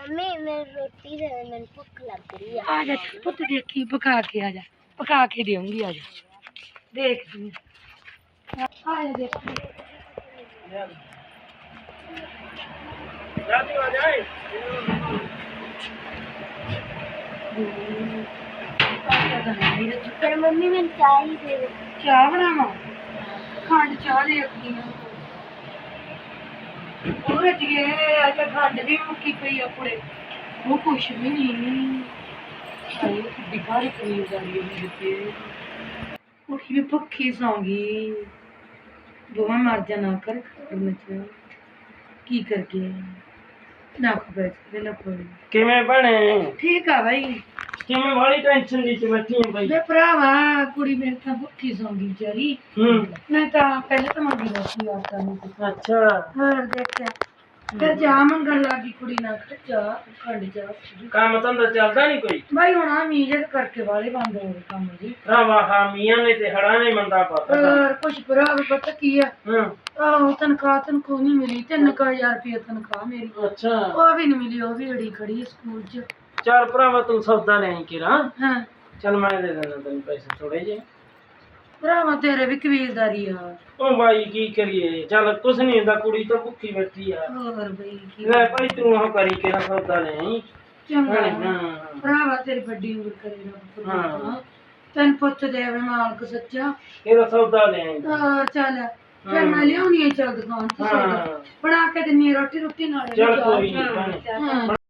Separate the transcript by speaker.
Speaker 1: Mummy मैं रोटी दे मैंने भूख लग रही है।
Speaker 2: आ जा पुत देखी पका के आ जा पका के देऊंगी आ जा देख तू आ जा देख
Speaker 1: पर मम्मी मैं चाय ही दे दो।
Speaker 2: चाह बनावा खंड चाह ले रखी और अजिए अज खंड भी मुक्की पई अपने वो कुछ भी नहीं अरे बिगाड़ी कमीज आ रही है मेरे पे उठी भी भुखी सौंगी बुआ मर जा ना कर में की करके ना खबर ना कोई
Speaker 3: ਕਿਵੇਂ ਬਣੇ
Speaker 2: ठीक है भाई
Speaker 3: ਕਿਵੇਂ ਵਾਲੀ ਟੈਨਸ਼ਨ ਵਿੱਚ ਬੈਠੀ ਹੈ ਬਾਈ
Speaker 2: ਵੇ ਭਰਾਵਾ ਕੁੜੀ ਮੇਰੇ ਤਾਂ ਭੁੱਖੀ ਸੌਂਗੀ ਵਿਚਾਰੀ ਮੈਂ ਤਾਂ ਪਹਿਲਾਂ ਤਾਂ ਮੰਗੀ ਸੀ ਆਟਾ ਨੂੰ
Speaker 3: ਅੱਛਾ
Speaker 2: ਹੋਰ ਦੇਖਿਆ ਫਿਰ ਜਾ ਮੰਗਣ ਲੱਗੀ ਕੁੜੀ ਨਾਲ ਜਾ ਖੰਡ ਜਾ
Speaker 3: ਕੰਮ ਧੰਦਾ ਚੱਲਦਾ ਨਹੀਂ ਕੋਈ
Speaker 2: ਭਾਈ ਹੁਣ ਆ ਮੀਜਕ ਕਰਕੇ ਵਾਲੇ ਬੰਦ ਹੋ ਗਏ ਕੰਮ ਜੀ
Speaker 3: ਰਾਵਾ ਹਾਂ ਮੀਆਂ ਨੇ ਤੇ ਹੜਾ ਨੇ ਮੰਦਾ ਪਾਤਾ
Speaker 2: ਹੋਰ ਕੁਛ ਭਰਾ ਪਤਾ ਕੀ ਆ
Speaker 3: ਹਾਂ
Speaker 2: ਆਹੋ ਤਨਖਾਹ ਨਹੀਂ ਮਿਲੀ 3000 ਰੁਪਏ ਤਨਖਾਹ ਮੇਰੀ
Speaker 3: ਅੱਛਾ
Speaker 2: ਉਹ ਵੀ ਨਹੀਂ ਮਿਲੀ ਉਹ ਵੀ ਅੜੀ ਖੜੀ ਹੈ ਸਕੂਲ 'ਚ
Speaker 3: ਚੱਲ ਭਰਾਵਾ ਤੂੰ ਸੌਦਾ ਲੈ ਆਈ ਕਿਰਾ
Speaker 2: ਹਾਂ
Speaker 3: ਚੱਲ ਮੈਂ ਦੇ ਦਿੰਦਾ ਤੈਨੂੰ ਪੈਸੇ ਥੋੜੇ ਜਿਹੇ
Speaker 2: ਭਰਾਵਾ ਤੇਰੇ ਵੀ ਕਬੀਲਦਾਰੀ ਆ
Speaker 3: ਉਹ ਬਾਈ ਕੀ ਕਰੀਏ ਚੱਲ ਕੁਛ ਨਹੀਂ ਹੁੰਦਾ ਕੁੜੀ ਤਾਂ ਭੁੱਖੀ ਬੈਠੀ ਆ
Speaker 2: ਹੋਰ ਬਈ ਕੀ
Speaker 3: ਲੈ ਭਾਈ ਤੂੰ ਉਹ ਕਰੀ ਕਿਰਾ ਸੌਦਾ ਲੈ ਆਈ
Speaker 2: ਚੰਗਾ
Speaker 3: ਹਾਂ
Speaker 2: ਭਰਾਵਾ ਤੇਰੀ ਵੱਡੀ ਉਮਰ ਕਰੇ ਰੱਬ
Speaker 3: ਹਾਂ।
Speaker 2: ਪਰਮਾਤਮਾ ਤੈਨੂੰ ਪੁੱਤ ਦੇਵੇ ਮਾਲਕ ਸੱਚਾ
Speaker 3: ਇਹਦਾ ਸੌਦਾ ਲੈ ਆਈ
Speaker 2: ਚੱਲ ਫਿਰ ਮੈਂ ਲਿਆਉਣੀ ਹੈ ਚੱਲ ਦੁਕਾਨ ਤੋਂ ਸੌਦਾ
Speaker 3: ਹਾਂ
Speaker 2: ਬਣਾ ਕੇ ਦਿੰਨੀ ਆ ਰੋਟੀ ਨਾਲ
Speaker 3: ਚੱਲ ਕੋਈ ਨਹੀਂ
Speaker 2: ਹਾਂ